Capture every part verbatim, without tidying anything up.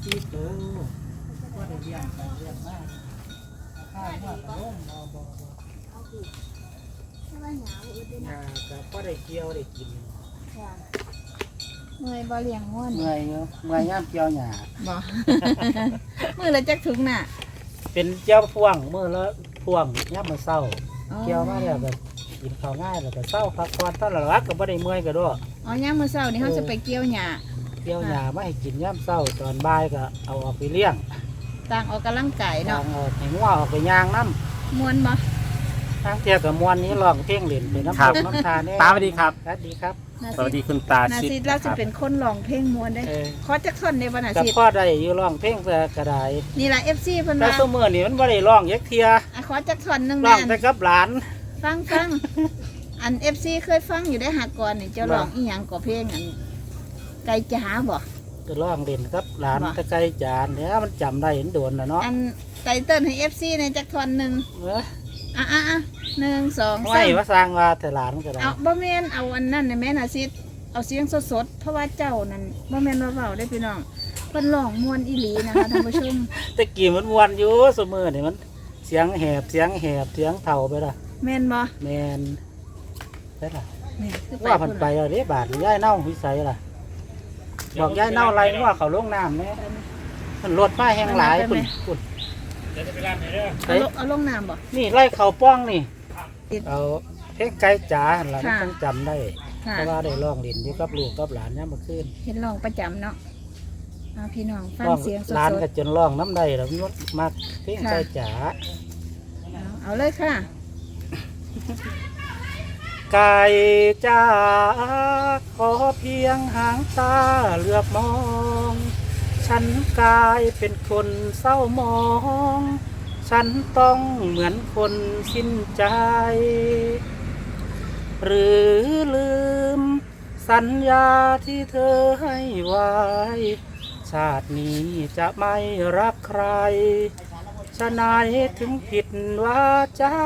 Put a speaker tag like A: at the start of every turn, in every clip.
A: ที่ตัวว่าได้เลี้ยงเลี้ยงมากข้าวว่าตะลุ่มบ่บ่บ่งาก็พอได้เกี่ยวได้กิน
B: เมื่อยบ่เลี้ยงง่วน
A: เมื่อยเนาะเมื่อยย่ำเกี่ยวหญ้า
B: บ่ มื้อละจักถุงน่ะ
A: เป็นเกี่ยวพ่วงมื้อละพ่วงย่ำมาเศร้า
B: อ๋อ
A: เกี่ยวมาแล้วก็กินข้าวง่ายแล้วก็เศร้าพักผ่อนตอนหลักก็บ่ได้เมื่อยก็ด้วย
B: อ๋อยามมื้อเช้านี่เฮาจะไปเกี่ยวหญ้า
A: เกี่ยวหญ้ามาให้กินย่ำเศร้าตอนบ่ายก็เอาออกไปเลี้ยง
B: ต่างออกกำลังกาย
A: ทา
B: เนาะ
A: งออกให้งัวออกไปย่างน้
B: ม่วนบ่
A: ำทางเที่ยวกับมวนนี้ร้องเพลงเล่นไปน้ำ
C: ครั
A: ต
C: บ
A: กน้ำทานเนี่ย
C: ตาสวัสดีครับ
A: สวัสดีครับ
B: นา
C: สวัส
B: ซิ
C: ดีคุณตา
B: นา
C: ชิด
B: ซิเรา
C: ค
B: จะ
C: รับ
B: เป็นคนร้องเพลงม่วนได้
A: เออ
B: ขอจักท่อนได้บ่นา
A: กับ
B: ซิ
A: พ่อได้อยู่ร้องเพลงเพื่อกระได
B: นี่ล่ะ เอฟ ซี เพิ่น
A: แต่
B: ว่า
A: สมือนี่มันบ่ได้ร้องยักเทีย
B: อ่ะขอจักท่อนหนึง
A: ร้อง
B: แม่น
A: แต่กับหลาน
B: ฟังฟังอัน เอฟ ซี เคยฟังอยู่ได้หากก่อนนี่เจ้าร้องอีหยังก็เพลงอันไก่จ๋าบ่
A: ก็ร้องเล่นกับหลาน
B: ว่า
A: ตะไคร้จานเนี่ยมันจำได้เห็นโดนนะเนาะ
B: อันไตเติ้ลให้ เอฟ ซี ในจักท่อนหนึง
A: เออ
B: อ่ะอ่ะอ่ะหนึ่งสอง
A: ไม่
B: สาม
A: ว่าสร้างว่าแต่หลานก็ได้
B: เอาบ่แม่นเอาอันนั้นน่ะแม่นาซิเอาเสียงสดๆเพราะว่าเจ้านั่นบ่แม่นว่าเว้าได้พี่น้องเพิ่นร้องม่วนอีหลีนะคะท่านผู้ชม
A: แตะกี้มันมวนอยู่สมือนี่มันเสียงแหบเสียงแหบเสียงเท่าไปละ
B: แม่นบ่
A: แมนได้ละ
B: นี่คือ
A: ว่าพันไปเอาเด้บาทย่ายเน่าวิสัยล่ะบอกย่ายเน่าไรว่าเขาลงน้ำเนี่ยมันรถป้ายแห้งหลายคุณคุณ
B: เอาลงเอาลงน้ำบ่
A: นี่ไล่เขาป้องนี่
B: ติด
A: เอาเพลงไก่จ๋าหั่นล่ะมัน
B: ค่ะ
A: ต้องจำได้
B: ค่ะ
A: เพราะว่าได้ร้องเล่นอยู่กับลูกกับหลานเนี่ยามมาขึ้น
B: เห็นร้องประจำเนาะเอาพี่น้องฟัง
A: ร้อง
B: เสียงส
A: หลาน
B: ด
A: ก็จนร้องน้ำได้แล้วมันมากเพลง
B: ค่ะ
A: ไก่จ๋า
B: ๆเอาเอาเลยค่ะ
A: ไก่จ๋าขอเพียงหางตาเหลือบมอง ฉันกลายเป็นคนเศร้ามอง ฉันต้องเหมือนคนสิ้นใจ หรือลืมสัญญาที่เธอให้ไว้ ชาตินี้จะไม่รักใครฉะไหนถึงผิดวาจา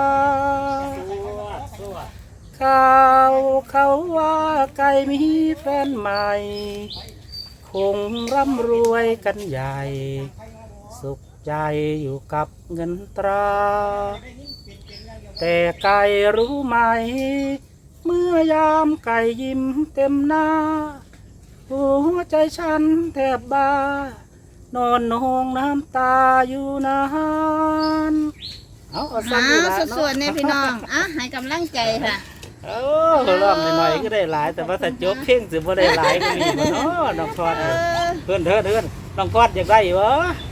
A: ข่าวเขาว่าไก่มีแฟนใหม่ คงร่ำรวยกันใหญ่ สุขใจอยู่กับเงินตรา แต่ไก่รู้ไหม เมื่อยามไก่ยิ้มเต็มหน้า หัวใจฉันแทบบ้านอนนองน้ำตาอยู่นานเอาเอา
B: หา
A: ซ้ำนี่ละ
B: สดๆเนี่ยพี่น้องอ่ะให้กำลังใจค่ะ
A: เออร้องหน่อยๆก็ได้หลาย แต่ว่าถ้าจบเพลงสิบ่ได้หลายก็มีบ่เนาะน้องพอด
B: เออ
A: เพื่อนเถิดเพื่อนน้องพอดอยากได้บ่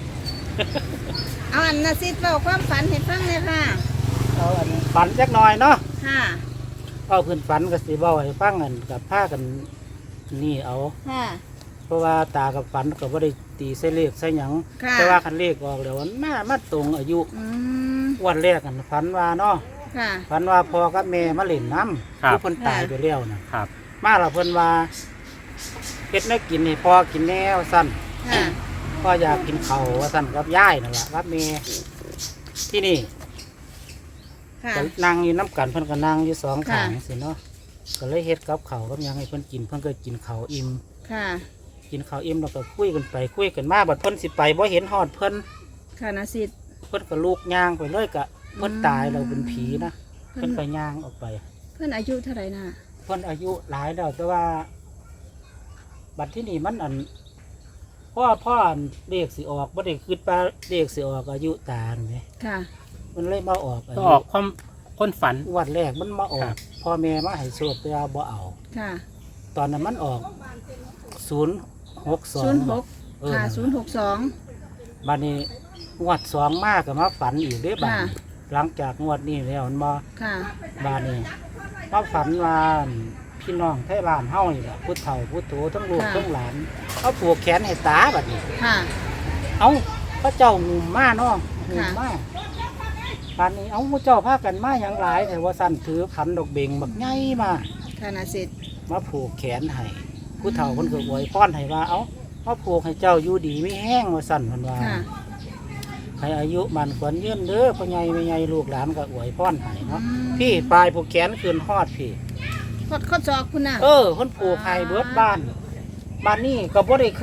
B: เอาอันนาซิดเล่าความฝันให้ฟังเลยค่ะ
A: เอาอันฝันจักหน่อยเนาะ
B: ค่ะ
A: เอาเพื่อนฝันก็สิเว้าให้ฟังกันกับพากันนี่เอา
B: ค่ะ
A: เพราะว่าตากับฝันก็บ่ได้ตีใส่เลขใส่หยัง
B: ค่ะ
A: แต่ว่าคันเลขออกแล้วมันมามาตรงอายุ
B: อืม
A: วันแรกกันฝันว่าเนาะ
B: ค่ะ
A: ฝันว่าพ่อกับแม่มาเล่นน้ำ
C: ครับ
A: เพิ่นตายไปแล้วน่ะ
C: ครับ
A: มาแล้วเพิ่นว่าเฮ็ดแนวกินให้พ่อกินแนวสั่น
B: ค่ะ
A: พ่ออยากกินข้าวว่าสั่นกับยายนั่นล่ะกับแม่ที่นี่
B: ค่ะ
A: ก็นั่งอยู่น้ำกันเพิ่นก็นั่งอยู่สอง
B: ค่ะ
A: ขางสิเนาะก็เลยเฮ็ดกับข้าวกับหยังให้เพิ่นกินเพิ่นก็กินข้าวอิ่ม
B: ค่ะ
A: กินข้าวอิ่มแล้วก็คุยกันไปคุยกันมาบัดเพิ่นสิไปบ่เห็นฮอดเพิ่น
B: ค่ะนาซิด
A: เพิ่นก็ลูกย่างไปเลยก็เพิ่น
B: อืม
A: ตายเราเป็นผีนะ
B: เพิ่
A: เพิ่
B: น
A: นก็ย่างออกไป
B: เพื่อนอายุเท่าไหร่น่ะ
A: เพิ่นอายุหลายแล้วแต่ว่า บัดที่นี่มันอันพ่อพ่ออันเลขสิออกบ่ได้คิดว่าเลขสิออกอายุตาแหม
B: ค่ะ
A: มันเลยมาออกอา
C: ก็
A: ยุ
C: ออกความคนฝัน
A: วันแรกมันมาออ
C: ครั
A: ก
C: บ
A: พ่อแม่มาให้โชคแต่ว่าบ่เอา
B: ค่ะ
A: ตอนนั้นมันออกศูนย์หกสอง
B: ศูนย์หก
A: เออ
B: ค่ะศูนย์หกสอง
A: บัดนี้งวดสองมากก็มาฝันอีกเด้อบัด
B: ค่ะ
A: นี้หลังจากงวดนี้แล้วมันมา
B: ค่ะ
A: บาดนี้มาฝันว่าพี่น้องไทยบ้านเฮานี่แหละผู้เฒ่าผู้โตทั้งลูก
B: ค่ะ
A: ทั้งหลานเอาผูกแขนให้ตาบัดนี้
B: ค่ะ
A: เอาพระเจ้างูมาเนาะงู
B: ค่ะ
A: มาบาดนี้เอาพระเจ้าพากันมาอย่างหลายแต่ว่าสั่นถือขันดอกเบงบักใหญ่มา
B: ค่ะนาซิด
A: มาผูกแขนให้ผู้เฒ่าคนก็อวยพรให้ว่าเอามาผูกให้เจ้าอยู่ดีไม่แห้งว่าสั่นมันว่า
B: ค่ะ
A: ให้อายุมันขวัญยืนเด้อพ่อใหญ่แม่ใหญ่ลูกหลานก็อวยพรให้เนาะ
B: อืม
A: พี่ปลายผูกแขนคืนฮอดพี่
B: ขอดข้อจอกคุณน่ะ
A: เออคนผูกให้เบิดบ้านบ้านนี้ก็บ่ได้คิด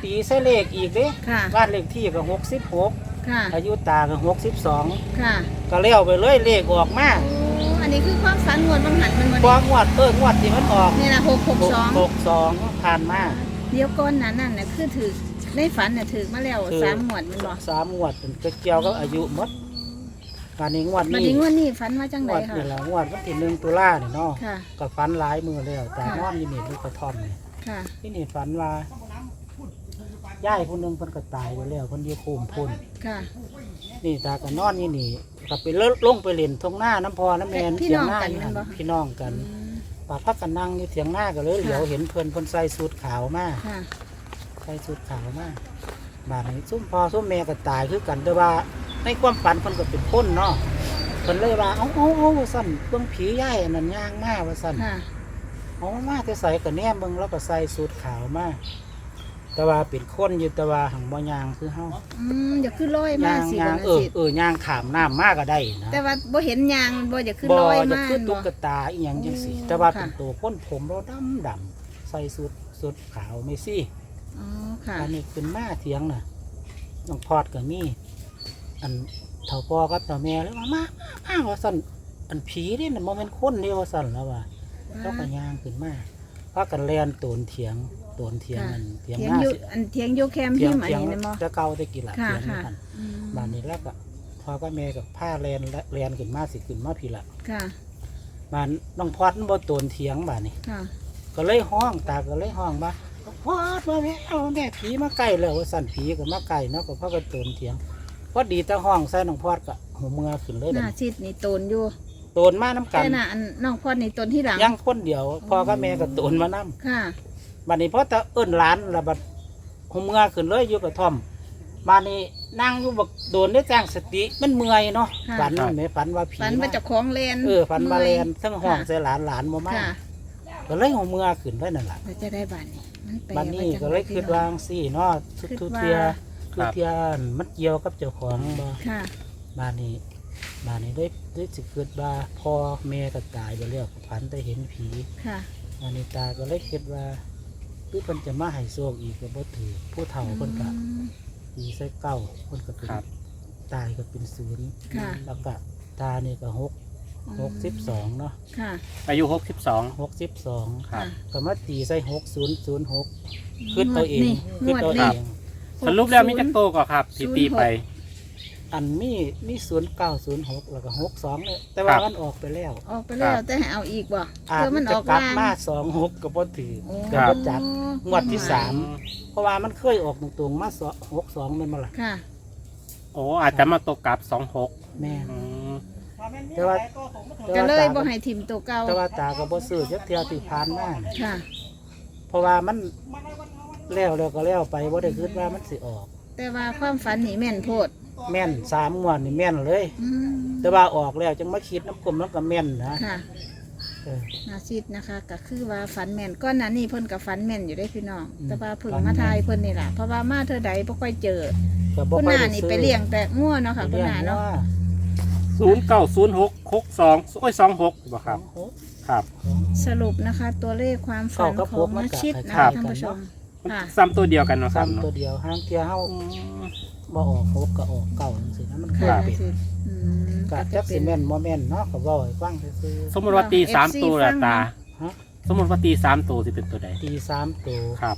A: ตีใส่เลขอีกเด้
B: ค่ะ
A: บ้านเลขที่ก็หกสิบหก
B: ค่ะ
A: อายุตาก็หกสิบสอง
B: ค่ะ
A: ก็เลี้ยวไปเลยเลขออกมา
B: โอ้อันนี้คือความฝันงวดบางหันมันวัน
A: กว่า
B: นี้
A: งวดเอองวดที่มันออก
B: นี่นะหกหกสอง
A: หกสองผ่านมา
B: เดี๋ยวก่อนนั้นน่ะน่ะคือถือในฝันน่ะถือมาแล้ว
A: ถือ
B: สามงวดแมันบ่
A: สามงวดเป็นเกี่ยวกับอายุหมดการนี้งวด
B: บัด
A: นี้
B: นี้งวดนี้ฝันว่าจัง
A: ง
B: ได
A: วด
B: ค่ะ
A: นี่แหละงวดวันที่หนึ่งตุลาเนี่ยเนาะ
B: ค่ะ
A: ก็ฝันหลายมือแล้วแต่
B: ค่ะ
A: นอนอยี่นี่ลูกกระท่อมนี่
B: ค่ะ
A: ที่นี่ฝันว่าย่ายคนหนึงเพิ่นก็ตายไปแล้วเพิ่นอยู่ภูมิพุ่น
B: ค่ะ
A: นี่ตาก็นอนอยี่นี่ก็ไปเลลงไปเล่นทงหน้าน้ำพอน้ำแมน
B: พี่
A: เถีย
B: น้
A: ง
B: อง
A: หน้า
B: กัน
A: อยู่
B: แม่นบ่
A: พี่น้องกัน
B: อืม
A: ป่าพักกันนั่งอยู่เถียงหน้าก็เลยเหลียวเห็นเพิ่นเพิ่นใส่สูทขาวมา
B: ค่ะ
A: ใส่สูทขาวมาบาดนี้ซุ่มพ่อซุ่มแม่ก็ตายคือกันแต่ว่าในความฝันเพิ่นก็เป็นคนเนาะเพิ่นเลยว่าเอ้าเอ้าเอ้าว่าซั่นเบิ่งผีย่ายอันนั้นย่างมาว่าซั่น
B: ค่ะ
A: เอามาแต่ใส่ก็แนมเบิ่งแล้วก็ใส่สูทขาวมาแต่ว่าเป็นคนอยู่แต่ว่าหังบ่ย่างคือเฮา
B: อืมอย่าขึ้นลอยมา
A: ย่าง
B: สิ
A: ย่าง
B: บ่
A: เอ
B: น่ะ
A: อ
B: สิ
A: เออย่างขามน้ำมาก็ได้นะ
B: แต่ว่าบ่เห็นยางมันบ่อย่าขึ้น
A: บ่
B: ลอย
A: จะ
B: มา
A: คือตุ๊
B: บ่
A: กตาอีหยังจังซี่
B: อ๋อ
A: แต่ว่า
B: ค่ะ
A: เป็นตัวคนผมเราดำดำๆใส่สูทสูทขาวไม่ซี่
B: อ๋อค่ะ
A: อันนี้เป็นมาเถียงน่ะน้องพอดก็มีอันเฒ่าพ่อกับเฒ่าแม่เลยว่ามามามาว่าซั่นอันผีนี่น่ะบ่แม่นคนเด้ว่าซั่นแล้วว่าแล้วก็ย่างขึ้นมาพากันแล่นโตนเถียงโตนเถียง
B: ค่ะ
A: อันเถียง
B: เถีย
A: ห
B: ง
A: น้า
B: อยู่
A: สิ
B: อันเถียงอยู่แคมป์
A: เถีย
B: พิ
A: ง
B: มพ์อัน
A: เถียง
B: นี้นะบ่
A: จะเก่าตะกี้ละ
B: ค่ะ
A: เถียง
B: ค่ะ
A: กัน
B: อืม
A: บ้านนี้แล้วก็พอก็แม่กับผ้าแลนแลนขึ้นมาสิขึ้นมาพี่ละ
B: ค่ะ
A: บ้านน้องพอดมันบ่โตนเถียงบ้านนี้
B: ค่ะ
A: ก็เลยห้องตาก็เลยห้องมาพอดมาแม่เอาแม่ผีมาใกล้แล้วว่าสั่นผีก็มาใกล้เนาะก็พากันโตนเถียงพอดีแตาห้องใส่น้องพอดก็หัวเมือขึ้นเลย
B: ห
A: เด้
B: น้าซิดนี่โตนอยู่
A: โตนมาน้ำกัน
B: แต่น่ะอันน้องพอดนี่โตนที่หลัง
A: ยังคนเดียวพ่อกับแม่ก็โตนมานํ
B: ค่ะ
A: บัดนี้พอตาเอิ้นหลานแล้วบัดหัวเมือขึ้นเลยอยู่กระท่อมบ้านนี้นั่งอยู่บักโดนได้จ้างสติมันเมื่อยเนาะ
B: ค่ะ
A: ฝันแม่ฝันว่าผี
B: ฝันว่า
A: มา
B: เจ้าของเลน
A: เออฝันมาแลนทั้งห้อง
B: ค่ะ
A: ใส่หลานหลานบ่มา
B: ค่ะ
A: ก็เลยหัวเมือขึ้นเลยนั่นล่ะ
B: เราจะได้บ้านนี้มันแปล
A: บัดนี้
B: ว่าจัง
A: ก็เลยคิดวาจั่งซี่เนาะทุก
B: คิด
A: ทุก
B: ว่า
A: เทียทุกเทียมันเกี่ยวกับเจ้าของบ่
B: ค่ะ
A: บ้านนี้บ้านนี้ได้ได้สิเกิดว่าพ่อแม่ก็ตายไปแล้วฝันแต่เห็นผี
B: ค่ะ
A: บ้านนี้ตาก็เลยคิดว่าคือเพิ่นจะมาให้โชคอีกก็บ่ถือผู้เฒ่าเพิ่นก็
B: อืม
A: ตีใส่เก้าเพิ่นก็เป็น
C: ครับ
A: ตายก็เป็นศูนย์
B: ค่ะ
A: แล้วก็ตานี่ก็หกหกสิบสองเนาะ
B: ค่ะ
C: อายุหกสิบสอง
A: หกสิบสอง
C: ครับ
A: ก็มาตีใส่หกศูนย์ศูนย์หกคิดเอาเอง
B: นี่
A: คิดเอา
B: งวด
A: เอ
B: นี้
A: ง
C: สรุปแล้วมีจักโตก็ครับที่ตีไป
A: อันมีมีศูนย์เก้าศูนย์หกแล้วก็หกสองเนี่ยแต่ว่า
C: ครับ
A: มันออกไปแล้ว
B: ออกไปแล้ว
C: ครับ
B: แต่ให้เอาอีกบ่
A: อาจ
B: เพื่อมันอ
A: จะ
B: อก
A: กลับ
B: ล่าง
A: มาสองหกกับพ่ถือ
B: โอ้
A: กับพ่จัด งวดที่สาม
C: อืม
A: เพราะว่ามันเคยออกตรงๆมาสองหกสองเป็นมาละ
B: ค่ะ
C: โอ้อาจจะมาตกกลับสองหก
A: แม่น
C: อืม
A: แต่ว่า
B: ก็เลยบ่
A: ตา
B: ให้ทิมตัวเก่า
A: แต่ว่าตาก็บ่ซื้อจักเที่ยวที่ผ่านมา
B: ค่ะ
A: เพราะว่ามันแล้วแล้วก็แล้วไปบ่ได้คิดว่ามันสิออก
B: แต่ว่าความฝันนี่แม่นโพด
A: แม่นสามงวดนี่แม่นเลย
B: อืม
A: แต่ว่าออกแล้วจังมาคิดน้ำกลมแล้วก็แม่นนะ
B: ค่ะ
A: เออ
B: นาซิดนะคะก็คือว่าฝันแม่นก้อนนั้นนี่เพิ่นกับฝันแม่นอยู่ได้พี่น้อง
A: อืม
B: แต่ว่าเพิ่ง
A: ฝันแม่
B: มาน ทายเพิ่นนี่แหละเพราะว่ามาเธอใดบ่ค่อยเจอ
A: ก็บ่
B: คุณ
A: ค่อย
B: นา
A: ได้
B: นี่
A: ซื้อ
B: ไปเลี้ยงแต่งัวเนาะค่ะคุณ
A: เลี้ยง
B: นาเนาะ
A: ว่า
C: ศูนย์เก้าศูนย์หกหกสองโอ้ยสองหกบ่ครับ
A: หก
C: ครับ
B: สรุปนะคะ ตัวเลขความฝัน
A: เข้ากับ
B: ข
A: พ
B: อ
A: ว
B: ง
A: กมัน
B: นา
A: ก็
B: ชิดนะ
A: คล้า
B: คะ
A: ยๆ
B: ท่านผู้ชม ค่ะ
C: ซ้ำตัวเดียวกันเนาะครับ
A: ซ้ำ
C: เนาะ
A: ตัวเดียวห้างเที่ยวเฮา
C: อืม
A: บ่ออกหกก็ออกเก่าจังซี่นะมันเคย
B: ค่ะ
A: เป็น
B: อืม
A: ก็
B: ก็
A: จั
B: จะ
A: ก
B: เป็
A: สิ
B: น
A: แม่นบ่แม่นเนาะก็เว้าให้ฟังซื่อ
C: สมมติว่าตีสาม
B: เอฟซี
C: ตัวละ
B: ฟัง
C: ตา
B: นะ
A: ๆฮะ
C: สมมติว่าตีสามตัวสิเป็นตัวใด
A: ตีสามตัว
C: ครับ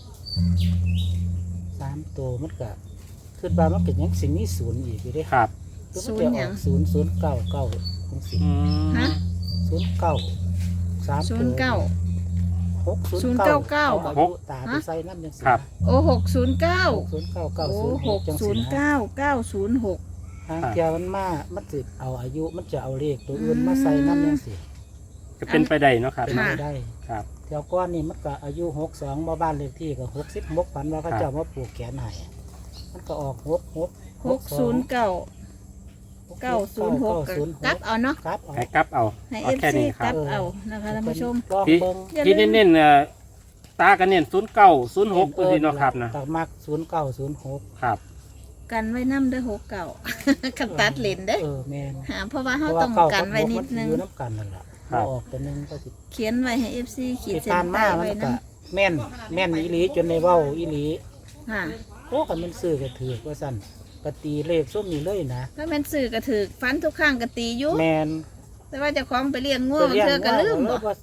A: สามตัวมันก็คิดว่ามันก็ยังสิมีศูนย์อีกอยู่เด้
C: ครับ
A: คือมันจะออกศูนย์ศูนย์เก้าเก้าจังซี่
C: อืม
B: ฮะ
A: ศูนย์เก้าสาม
B: ศู
A: ตั
B: น
A: ว
B: ย์เก้า
A: หกศูน
B: ศูนย์
A: ย์
B: เก้า
A: เก้า
B: เก้า
A: เอาอายุตาไปใส่น้ำจังซี่
C: ครับ
B: โอ้หกศูนย์เก้า
A: หกศูนย์เก้าเก้า
B: โอ้
A: ศูนย์
B: ห
A: ห
B: ก
A: กจัง
B: ศู
A: ซี่
B: นย์
A: นะ
B: เก้าเก้าศูนย์หก
A: ทางเทียมันมา มันสิเอาอายุ มันจะเอาเลขตัวอื่นมาใส่น้ำยังสิ
C: ก็เป็นไปได้เนาะครับ
A: เป็นไปได้
C: ครับ
A: เที่ยวก้อนนี่มันก็อายุหกสองบ่บ้านเลขที่ก็หกสิบหกพันว่าเขา
C: ครับ
A: เจ้ามาปลูกแขนให้มันก็ออกหกหก
B: หกศูนย์เก้าเก้าศูนย์หก
A: ศูนย์ห
B: กลั
A: ก
B: บเอาเนาะ
A: ครับเอา
C: ให้กลับเอา
B: ให้
C: เอา
B: เอฟ
C: แค่
B: ซี
C: นี้ค
B: ก
C: รั
B: ลั
C: บบ
B: เอานะคะท่านผู้ชม
A: ลอง
C: ที่
A: เบิ่ง
B: อย่าลืม
C: ที่เน้นๆเอ่อตากันเน้นศูนย์เก้าศูนย์หกตัวนี้เนาะครับนะ
A: ตักมักศูนย์เก้าศูนย์หก
C: ครับ
B: กันไว้น้ำเด้อหกเก่า กันตัดเลนเด้อ
A: เออแมน
B: หาเพราะว่า
A: เพ
B: เขา
A: ราะว่า
B: ต้อง
A: เก้า
B: กั
A: กัน บ
B: ไว้
A: หก
B: นิ
A: มั
B: ด
A: น
B: นึง
A: อยู่น้ำกันนั่นแหละ
C: ครับ
A: ออกตัวหนึงก็สิ
B: เขียนไว้ให้เอฟซีขีด
A: ที่
B: เส้น
A: ผ่านมา
B: ใต้
A: มัน
B: ไว้
A: ก็
B: นะ
A: แม่นแม่นอีหลีจนในเว้าอีหลี
B: ค่ะ
A: โอ้คันมันซื้อก็ถือว่าซั่นปฏิเลขส้มนี่เลยนะ
B: ถ้าแม่นซื้อก็ถือฟันทุกข้างก็ตีอยู่
A: แมน
B: แต่ว่าเจะคล้าของไปเลี้ยงง่วงเธอก็ลืมบ่
A: ว่า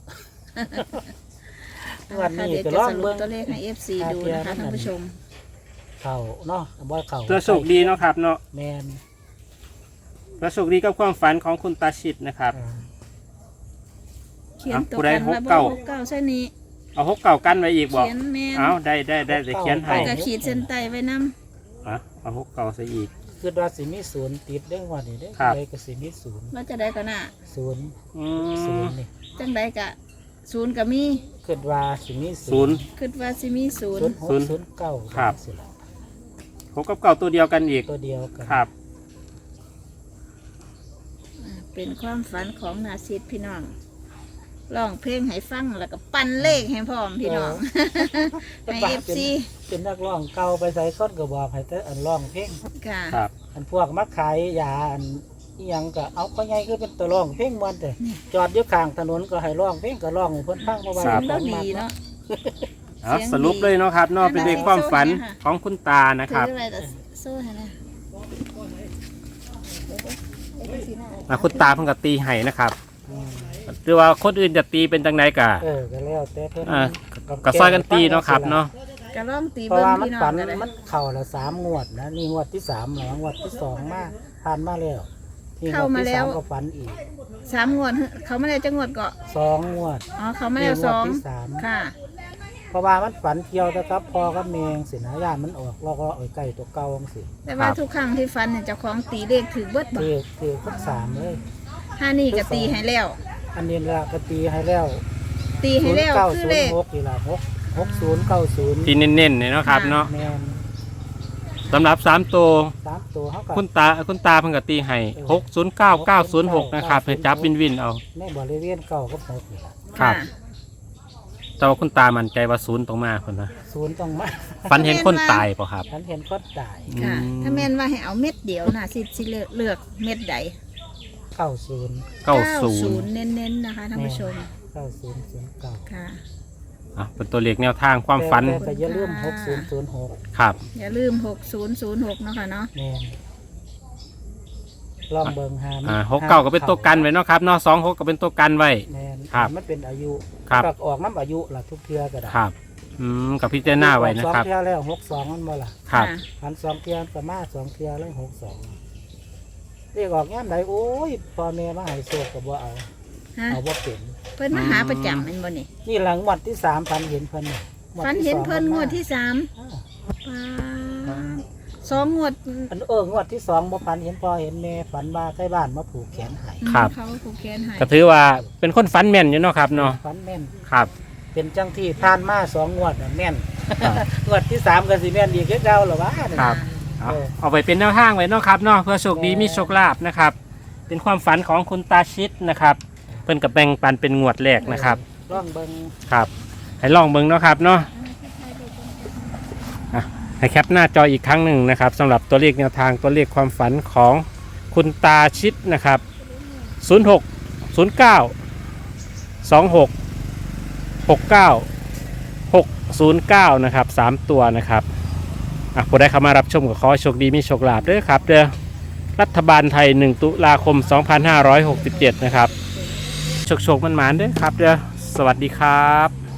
A: วัน
B: ค่ะ
A: นี้
B: เดี๋ยว
A: ก็
B: จะ
A: ลอ
B: ส
A: ง
B: รุป
A: เบิ่ง
B: ตัวเลขให้ เอฟ ซี ดูนะคะท่านผู้ชม
A: เขาเนาะบ่เขา
C: เพื่อโชคดีเนาะครับเนาะ
A: แมน
C: เพื่อโชคดีกับความฝันของคุณตาชิดนะครับ
A: อ่า
B: เขียนตัว
C: ผู้ใด
B: กัน
C: หก
B: มาบ่
C: เก้า
B: หกเก้าใช่นี้
C: เอาหกเก่ากันไว้อีกบอก
B: เขียนแม่น
C: เอาได้ได้ได้จะเขียน
B: ไป
C: ให้
B: ก็ขีดเส้นใต้ไว้นำ
C: อ่ะเอาหกเก่าซะอีก
A: คือว่าสิมีศูนย์ติดเด้งวันนี้เด้
C: ครับ
A: เลยก็สิมีศูนย์
B: ว่าจะได้ก็น่ะ
A: ศูนย์
C: อื
A: ศู
C: ม
A: นย์นี่
B: จังไดกะศูนย์ก็มี
A: คิดว่าสิมี
C: ศูนย์
B: คิดว่าสิมีศูน
A: ศู
B: ย์
A: นย์หก
C: ศูนย์
A: ศูนย์เก้า
C: ครับ
A: สิล่ะ
C: หกกับเก่าตัวเดียวกันอีก
A: ตัวเดียวกัน
C: ครับ
B: อ่าเป็นความฝันของนาซิดพี่น้องร้องเพลงให้ฟังแล้วก็ปั่นเลขให้พร้อมพี่น้องให้
A: แต่
B: เอ
A: ว่า
B: ฟ
A: เป็น
B: ซี
A: เป็นนักร้องเก่าไปใส่ก้นก็บอกให้แต่อันร้องเพลง
B: ค่ะ
C: ครับ
A: อันพวกมาขายยาอันอิหยังก็เอาก็ไงคือเป็นตัวร้องเพลงมันแต่จอดอยู่ข้างถนนก็ให้ร้องเพลงก็ร้องให้เพิ่นฟังเพราะว่า
B: เสียง
A: ข
B: เรา
A: องมั
B: ดี
A: น
B: เนาะ
C: เอา
B: เสียงดี
C: สรุปเลยเนาะครับเนาะเป็นเลขความฝัน
B: โซ่เนี่ยค่ะ
C: ของคุณตานะครับ
B: ถืออะไรแต่โซ่ให้นะ
C: อ่ะคุณตาเพิ่งกับตีไห้นะครับหรือว่าคนอื่นจะตีเป็นจังไดกะ
A: เออก็แล้วแต่เพิ่น
C: อ่าก็ซอยกันตีเนาะครับเนาะ
B: ก็ร้องตี
A: เพราะ
B: เบิ้ง
A: ว่ามัน
B: พี่น้อ
A: ฝั
B: ง
A: น
B: กันเลย
A: มันเข่าละสามงวดนะนี่งวดที่สามหลังงวดที่สองมาผ่านมาแล้วนี่งวดที่สามก็ฝันอีก
B: สามงวดเขาไม่ได้จะงวดเกาะ
A: สองงวด
B: อ๋อเขาไม่ได้สอง
A: นี่งวดที่สาม
B: ค่ะ
A: เพราะว่ามันฝันเกี่ยวนะครับพอกับเมงสินะย่านมันออกเราก็เอาไก่ตัวเก่าจังสิ
B: แต่ว่าทุกครั้งที่ฟันเนี่ยเจ้าของตีเลขถือเบิดบ่
A: คือคือทั้งสามเลย
B: ห้านี่ก็ตีให้แล้ว
A: อันนี้ละก็ตีให้แล้ว
B: ตีให้แล้ว
A: เก้า
B: คือ
A: ศูน
B: เล
A: ย์
B: ข
A: หกนี่ละหกหกศูนย์เก้าศูนย์
C: ตีเน้นๆเนี่ยเนาะครับเนาะ
A: แมน
C: สำหรับสามตัว
A: สามตัวเขากับ
C: คุณตาคุณตาเพิ่งกับตีไห้หกศูนย์เก้าเก้าศูนย์หกนะครับให้จับวินวินเอา
A: ในบริเวณเก่าก็หกนี่ละ
C: ครับ
B: ค่ะ
C: แต่ว่าคุณตามั่นใจว่าศูนย์ตรงมาคนนะ
A: ศูนย์ต้องมา
C: ฝันเห็นคนตายเปล่ะครับ
A: ฉันเห็นคนตาย
B: ค่ะ
C: อืม
B: ถ้าแม่นว่าให้เอาเม็ดเดียวนะสิสิเลือกเลือกเม็ดใด
A: เก้าศูนย์
C: เก้าศูนย์
B: เน้นๆนะคะท่านผู้ชม
A: เก้าศูนย์ศูนย์เก้า
B: ค่ะ
C: อ่ะเป็นตัวเลขแนวทางความฝัน
A: แต่แต่อย่าลืมหกศูนย์ศูนย์หก
C: ครับ
B: อย่าลืมหกศูนย์ศูนย์หกเนาะค่ะเนาะ
A: แมนลองเบิ่งหา
C: อ่าหกเก้าก็เป็นตัวกันไว้เนาะครับเนาะสองหกก็เป็นตัวกันไว้
A: แมน
C: ครับ
A: มันเป็นอายุ
C: ครับ
A: ก็ออกน้ำอายุล่ะทุกเทือก็ได้
C: ครับอืมกับพิจารณาไว้นะ
A: สอง
C: ครับ
A: เทือแล้วหกสองมันบ่ล่ะ
C: ครับ
B: ค่ะ
A: หันสองเทือก็มาสองเทือแล้วหกสองเรียกออกย่ามไหนโอ้ยพ่อแม่มาให้โชคก็บ่เอา
B: ฮะ
A: เอาบ่เป็น
B: เพิ่นมาหาประจำแม่นบ่นี่
A: นี่หลังงวันที่สามพันเห็นเพิ่นนี่งวด
B: ฟัน
A: ที่
B: เห็น
A: สอง
B: เพิ่นงวดที่สาม
A: อ้าว
B: ปาดสองงวด
A: อันเอองวดที่สองบ่พันเห็นพ่อเห็นแม่ฝันว่าใกล้บ้านมาผูกแขนให้
C: ครับ
B: เขาผูกแขนให้
C: ก็ถือว่าเป็นคนฝันแม่นอยู่เนาะครับเนาะ
A: ฝันแม่น
C: ครับ
A: เป็นจังที่ผ่านมาสองงวดน่ะแม่น
C: ครับ
A: งวดที่สามก็สิแม่นอีกคือเก่าเหรอวะ
C: ครับ เอาเอาไปเป็นแนวทางไว้เนาะครับเนาะเพื่อโชคดีมีโชคลาภนะครับ เป็นความฝันของคุณตาชิดนะครับเพิ่นกับแบ่งปันเป็นงวดแรกนะครับ
A: ลองเบิ่ง
C: ครับให้ลองเบิ่งเนาะครับเนาะอ่ะให้แคปหน้าจออีกครั้งหนึ่งนะครับสำหรับตัวเลขแนวทางตัวเลขความฝันของคุณตาชิดนะครับศูนย์หก ศูนย์เก้า สองหก หกเก้า หกศูนย์เก้านะครับสามตัวนะครับอ่ะผู้ใดเข้ามารับชมก็ขอให้โชคดีมีโชคลาภด้วยครับเด้อรัฐบาลไทยหนึ่งตุลาคมสองพันห้าร้อยหกสิบเจ็ดนะครับโชคโชคมันหมานๆด้วยครับเด้อสวัสดีครับ